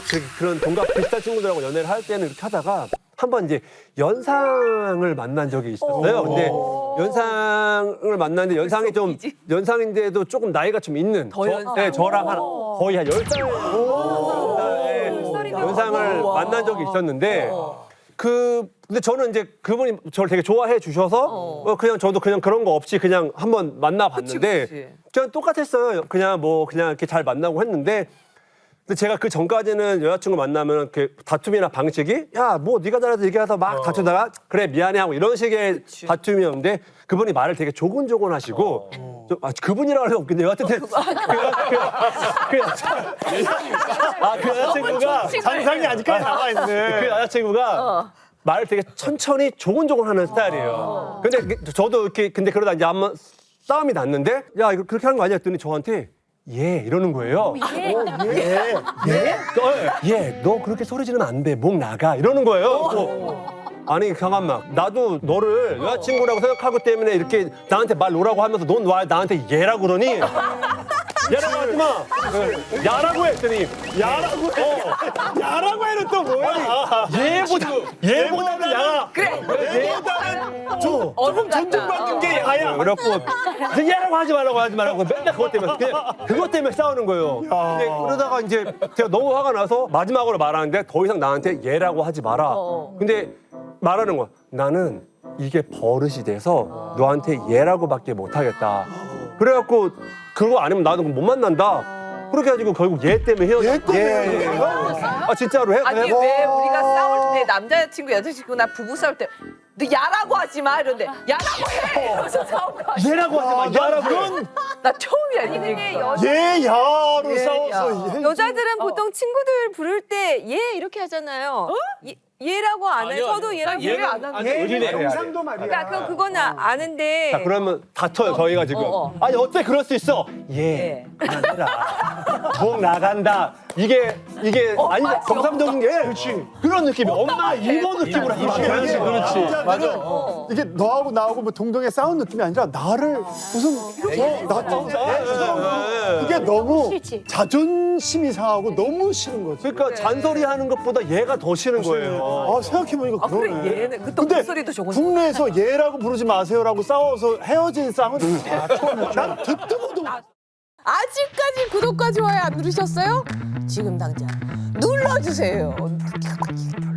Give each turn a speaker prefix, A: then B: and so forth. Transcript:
A: 그런 동갑 비슷한 친구들하고 연애를 할 때는 이렇게 하다가 한번 이제 연상을 만난 적이 있었어요. 근데 연상을 만났는데 연상이 좀 연상인데도 조금 나이가 좀 있는 네, 저랑 한 거의 한 10살 연상을 만난 적이 있었는데 근데 저는 이제 그분이 저를 되게 좋아해 주셔서 그냥 저도 그냥 그런 거 없이 그냥 한번 만나봤는데 그냥 똑같았어요. 그냥 이렇게 잘 만나고 했는데 근데 제가 그 전까지는 여자친구 만나면 그 다툼이나 방식이 야 뭐 네가 잘해서 얘기해서 막 다투다가 그래 미안해 하고 이런 식의 다툼이었는데 그분이 말을 되게 조곤조곤하시고 그분이라고 하면 웃긴데 여하튼 그 여자친구가
B: 상상이 아직까지 남아있네.
A: 그 여자친구가 말을 되게 천천히 조곤조곤하는 스타일이에요. 근데 저도 이렇게 근데 그러다 이제 한번 싸움이 났는데 야 이거 그렇게 하는 거 아니야 했더니 저한테 예 이러는 거예요. 예, 너 그렇게 소리 지르면 안 돼. 목 나가. 이러는 거예요. 아니 잠깐만. 나도 너를 여자친구라고 생각하기 때문에 이렇게 나한테 말 놓으라고 하면서 넌 와 나한테 얘라고 그러니? 얘라고 하지 마. 야라고 했더니
B: 야라고 해. 야라고 해는 또 뭐야?
A: 얘보다는 야가.
C: 그래.
B: 조금 존중받는 게 야야.
A: 그래갖고 얘라고 하지 말라고 맨날 그것 때문에 싸우는 거예요. 근데 그러다가 이제 제가 너무 화가 나서 마지막으로 말하는데 더 이상 나한테 얘라고 하지 마라. 근데 말하는 거야. 나는 이게 버릇이 돼서 너한테 얘라고밖에 못하겠다. 그래갖고 그거 아니면 나도 못 만난다. 그렇게 해가지고 결국 얘 때문에 헤어졌어.
B: 얘 때문에
A: 아 진짜로 해?
C: 아니 왜 우리가 싸울 때 남자친구 여자친구나 부부 싸울 때 너 야라고 하지 마 이런데 야라고 해 이러면서 싸운 거 아니야?
A: 얘라고 하지 마. 얘라고.
C: 나 처음이야 이 얘기.
B: 얘 야로
C: 얘,
B: 싸워서
D: 여자들은 보통 친구들 부를 때 얘 이렇게 하잖아요. 얘라고 안 해. 저도 얘라고
C: 얘를 안 하는
A: 의리네.
B: 영상도 말이야.
D: 그러니까 그거는 아는데.
A: 자, 그러면 다퉈요, 저희가 지금. 아니, 어떻게 그럴 수 있어? 예, 그만해라. 목 나간다. 이게 아니, 정상적인 게. 그렇지. 그런 느낌이. 엄마, 이모 느낌으로 하는 거야. 그렇지.
B: 맞아. 이게 너하고 나하고 뭐 동동에 싸운 느낌이 아니라 나를 무슨 그게 너무 자존심이 상하고 너무 싫은 거지.
A: 그러니까 잔소리 하는 것보다 얘가 더 싫은 거예요.
B: 아 생각해보니까 그러네.
C: 그래 얘는 그또
B: 근데
C: 목소리도 좋은.
B: 국내에서 얘라고 부르지 마세요라고 싸워서 헤어진 쌍은 난 듣도 보도 못.
D: 아직까지 구독과 좋아요 안 누르셨어요? 지금 당장 눌러주세요.